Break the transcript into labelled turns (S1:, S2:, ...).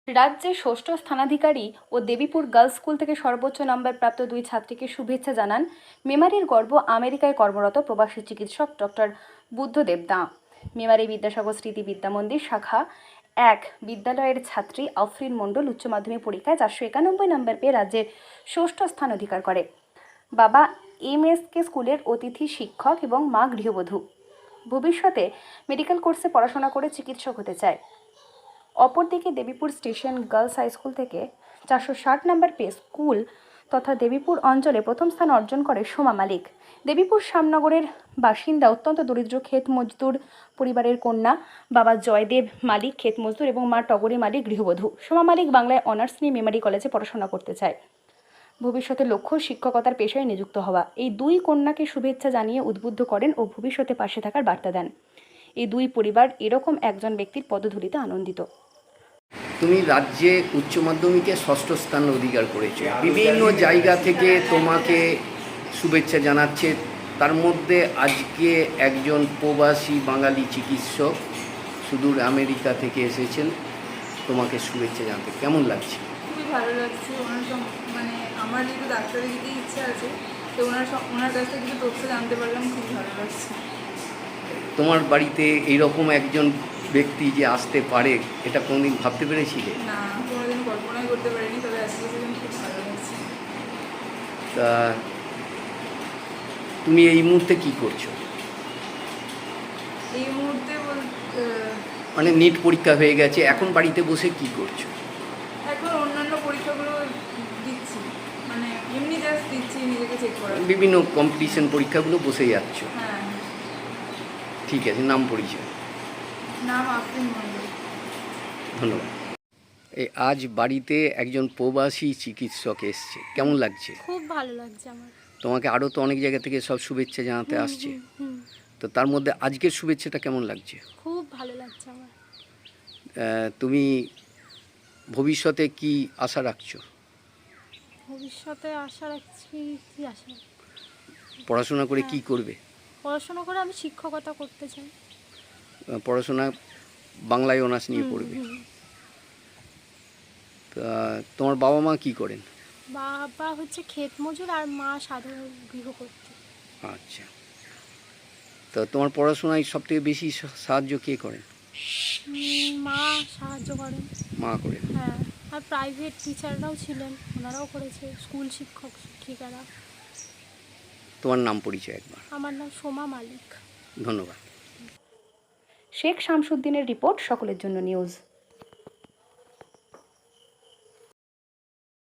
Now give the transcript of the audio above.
S1: রাজ্যে ষষ্ঠ স্থানাধিকারী ও দেবীপুর গার্লস স্কুল থেকে সর্বোচ্চ নম্বর প্রাপ্ত দুই ছাত্রীকে শুভেচ্ছা জানান মেমারির গর্ব আমেরিকায় কর্মরত প্রবাসী চিকিৎসক ডক্টর বুদ্ধদেব দাঁ। মেমারি বিদ্যাসাগর স্মৃতি বিদ্যামন্দির শাখা 1 বিদ্যালয়ের ছাত্রী আফরিন মণ্ডল উচ্চ মাধ্যমিক পরীক্ষায় 491 নম্বর পেয়ে রাজ্যের ষষ্ঠ স্থান অধিকার করে। বাবা এমএসকে স্কুলের অতিথি শিক্ষক এবং মা গৃহবধূ। ভবিষ্যতে মেডিকেল কোর্সে পড়াশোনা করে চিকিৎসক হতে চায়। অপরদিকে Debipur station girls high school থেকে 460 নম্বর পেয়ে স্কুল তথা দেবীপুর অঞ্চলে প্রথম স্থান অর্জন করে সোমা মালিক। দেবীপুর শ্যামনগরের বাসিন্দা, অত্যন্ত দরিদ্র ক্ষেত মজদুর পরিবারের কন্যা। বাবা জয়দেব মালিক ক্ষেত মজদুর এবং মা টগরী মালিক গৃহবধূ। সোমা মালিক বাংলায় অনার্স নিয়ে মেমারি কলেজে পড়াশোনা করতে চায়। ভবিষ্যতে লক্ষ্য শিক্ষকতার পেশায় নিযুক্ত হওয়া। এই দুই কন্যাকে শুভেচ্ছা জানিয়ে উদ্বুদ্ধ করেন ও ভবিষ্যতে পাশে থাকার বার্তা দেন। এই দুই পরিবার এরকম একজন ব্যক্তির পদধূলিতে আনন্দিত।
S2: তুমি রাজ্যে উচ্চ মাধ্যমিকে ষষ্ঠ স্থান অধিকার করেছো, বিভিন্ন জায়গা থেকে তোমাকে শুভেচ্ছা জানাচ্ছে। তার মধ্যে আজকে একজন প্রবাসী বাঙালি চিকিৎসক সুদূর আমেরিকা থেকে এসেছেন তোমাকে শুভেচ্ছা জানাতে। কেমন লাগছে?
S3: খুবই ভালো লাগছে। মানে আমার যেহেতু ডাক্তারের দিকে ইচ্ছা আছে, তো ওনার কাছ থেকে কিছু তথ্য জানতে পারলাম, খুবই ভালো লাগছে।
S2: তোমার বাড়িতে এইরকম একজন ব্যক্তি যে আসতে পারে, এটা কোনোদিন ভাবতে পেরেছিলে?
S3: না, কোনোদিন কল্পনাই করতে পারিনি, তবে আজকে সেদিন খুব ভালো লাগছে।
S2: তা তুমি এই মুহূর্তে কি করছো?
S3: এই মুহূর্তে
S2: মানে নিট পরীক্ষা হয়ে গেছে, এখন বাড়িতে বসে কি করছো?
S3: এখন অন্যান্য পরীক্ষাগুলো দিচ্ছি, মানে এমনি জাস্ট দিচ্ছি নিজেকে চেক করার।
S2: বিভিন্ন কম্পিটিশন পরীক্ষাগুলো বসে যাচ্ছ?
S3: হ্যাঁ।
S2: ঠিক আছে, নাম পরিচয়?
S3: নাম আফরিন মণ্ডল।
S2: ধন্যবাদ। এই আজ বাড়িতে একজন প্রবাসী চিকিৎসক এসছে, কেমন লাগছে?
S4: খুব ভালো লাগছে আমার।
S2: তোমাকে আরও তো অনেক জায়গা থেকে সব শুভেচ্ছা জানাতে আসছে,
S4: হুম,
S2: তো তার মধ্যে আজকের শুভেচ্ছাটা কেমন লাগছে?
S4: খুব ভালো লাগছে আমার।
S2: তুমি ভবিষ্যতে কি আশা রাখছো?
S4: ভবিষ্যতে আশা রাখছি, কি আশা?
S2: পড়াশোনা করে কি করবে?
S4: পড়াশোনা করে আমি শিক্ষকতা করতে চাই।
S2: পড়াশোনা বাংলায় অনার্স নিয়ে পড়বে। তা তোমার বাবা মা কি করেন?
S4: বাবা হচ্ছে ক্ষেত মজুর আর মা সাধারণ গৃহকর্ত্রী।
S2: আচ্ছা, তো তোমার পড়াশোনায় সবথেকে বেশি সাহায্য কে করেন?
S4: মা সাহায্য করেন।
S2: মা করেন?
S4: হ্যাঁ, আর প্রাইভেট টিচাররাও ছিলেন, ওনারাও করেছে, স্কুল শিক্ষক শিক্ষিকারা।
S2: তোমার নাম পরিচয় একবার?
S4: আমার নাম সোমা মালিক।
S2: ধন্যবাদ।
S1: শেখ শামসুদ্দিনের রিপোর্ট, সকলের জন্য নিউজ।